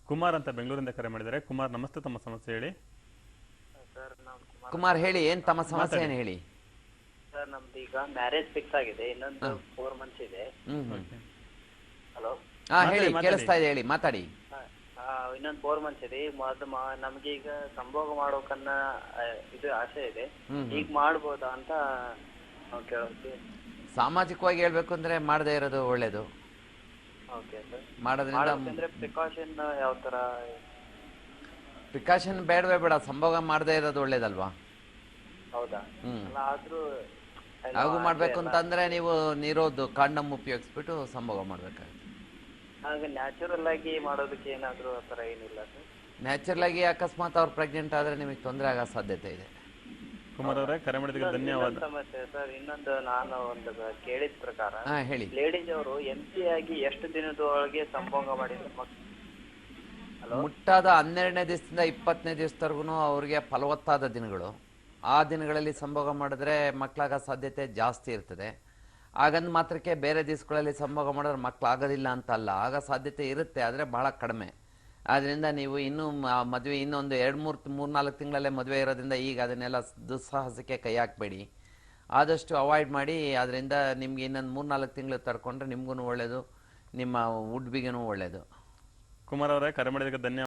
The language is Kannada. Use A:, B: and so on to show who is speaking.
A: ಕುಮಾರ್ ಅಂತ ಬೆಂಗಳೂರಿಂದ ಕರೆ ಮಾಡಿದ್ದಾರೆ. ಕುಮಾರ್ ನಮಸ್ತೆ, ತಮ್ಮ ಸಮಸ್ಯೆ ಹೇಳಿ.
B: ಸರ್ ನಾವು
C: ಕುಮಾರ್ ಹೇಳಿ, ಏನ್ ತಮ್ಮ ಸಮಸ್ಯೆ
A: ಮಾತಾಡಿ.
C: ಏನು ಹೇಳಿ.
B: ಸರ್ ನಮ್ದು ಈಗ ಮ್ಯಾರೇಜ್ ಫಿಕ್ಸ್ ಆಗಿದೆ, ಇನ್ನೊಂದು 4 ಮಂತ್ಸ್ ಇದೆ. ಹಲೋ.
C: ಹಾ ಹೇಳಿ,
A: ಮಾತಾಡಿ.
C: ಕೇಳಿಸ್ತಾ ಇದೆ, ಹೇಳಿ ಮಾತಾಡಿ.
B: ಇನ್ನೊಂದು 4 ಮಂತ್ಸ್ ಇದೆ. ನಮ್ಗೆ ಈಗ ಸಂಭೋಗ ಮಾಡೋಕನ್ನ ಇದು ಆಸೆ ಇದೆ. ಈಗ ಮಾಡ್ಬೋದಾ ಅಂತ ನಾವು ಕೇಳೋಕೆ.
C: ಸಾಮಾಜಿಕವಾಗಿ ಹೇಳ್ಬೇಕು ಅಂದ್ರೆ ಮಾಡದೇ ಇರೋದು ಒಳ್ಳೇದು.
B: Okay sir.
C: ಮಾಡೋದ್ರಿಂದ
B: ಅಂದ್ರೆ ಪ್ರಿಕಾಷನ್ ಯಾವ ತರ?
C: ಪ್ರಿಕಾಷನ್ ಬೇಡವೇ ಬೇಡ, ಸಂಭೋಗ ಮಾಡದೇ ಇರೋದು ಒಳ್ಳೇದಲ್ವಾ.
B: ಹೌದಾ? ಅಲ್ಲ ಆದ್ರೂ
C: ಹಾಗೂ ಮಾಡ್ಬೇಕು ಅಂತಂದ್ರೆ ನೀವು ನೀರೋದು ಕಾಂಡಮ್ ಉಪಯೋಗಿಸ್ಬಿಟ್ಟು ಸಂಭೋಗ ಮಾಡ್ಬೇಕಾಗುತ್ತೆ.
B: ಹಾಗೆ ನ್ಯಾಚುರಲ್ ಆಗಿ ಮಾಡೋದಕ್ಕೆ ಏನಾದ್ರೂ ಆ ಥರ ಏನಿಲ್ಲ ಸರ್?
C: ನ್ಯಾಚುರಲ್ ಆಗಿ ಅಕಸ್ಮಾತ್ ಅವ್ರು ಪ್ರೆಗ್ನೆಂಟ್ ಆದ್ರೆ ನಿಮಗೆ ತೊಂದರೆ ಆಗೋ ಸಾಧ್ಯತೆ ಇದೆ.
A: ಕುಮಾರ್ ಅವರೇ, ಕರೆ ಮಾಡಿದ್ದಕ್ಕೆ ಧನ್ಯವಾದ.
B: ಸಮಸ್ಯೆ ಸರ್, ಇನ್ನೊಂದು ನಾನು ಒಂದು ಕೇಳಿದ ಪ್ರಕಾರ
C: ಹಾ ಹೇಳಿ.
B: ಲೇಡೀಸ್ ಅವರು ಎಂಟಿ ಆಗಿ ಎಷ್ಟು ದಿನದೊಳಗೆ ಸಂಭೋಗ ಮಾಡಿದ್ರು
C: ಮುಟ್ಟಾದ 12ನೇ ದಿವಸದಿಂದ 20ನೇ ದಿವಸದವರೆಗೂ ಅವ್ರಿಗೆ ಫಲವತ್ತಾದ ದಿನಗಳು. ಆ ದಿನಗಳಲ್ಲಿ ಸಂಭೋಗ ಮಾಡಿದ್ರೆ ಮಕ್ಕಳಾಗೋ ಸಾಧ್ಯತೆ ಜಾಸ್ತಿ ಇರ್ತದೆ. ಆಗಂದು ಮಾತ್ರಕ್ಕೆ ಬೇರೆ ದಿವಸಗಳಲ್ಲಿ ಸಂಭೋಗ ಮಾಡಿದ್ರೆ ಮಕ್ಕಳಾಗೋದಿಲ್ಲ ಅಂತ ಅಲ್ಲ, ಆಗ ಸಾಧ್ಯತೆ ಇರುತ್ತೆ, ಆದರೆ ಬಹಳ ಕಡಿಮೆ. ಆದ್ದರಿಂದ ನೀವು ಇನ್ನೂ ಮದುವೆ ಇನ್ನೊಂದು 2-3-4 ತಿಂಗಳಲ್ಲೇ ಮದುವೆ ಇರೋದ್ರಿಂದ ಈಗ ಅದನ್ನೆಲ್ಲ ದುಸ್ಸಾಹಸಕ್ಕೆ ಕೈ ಹಾಕಬೇಡಿ, ಆದಷ್ಟು ಅವಾಯ್ಡ್ ಮಾಡಿ. ಅದರಿಂದ ನಿಮ್ಗೆ ಇನ್ನೊಂದು 3-4 ತಿಂಗಳು ತಡ್ಕೊಂಡ್ರೆ ನಿಮಗೂ ಒಳ್ಳೆಯದು, ನಿಮ್ಮ ವುಡ್ ಬಿಗೂ ಒಳ್ಳೆಯದು.
A: ಕುಮಾರ್ ಅವರೇ, ಕರೆ ಮಾಡಿದ್ದಕ್ಕೆ ಧನ್ಯವಾದ.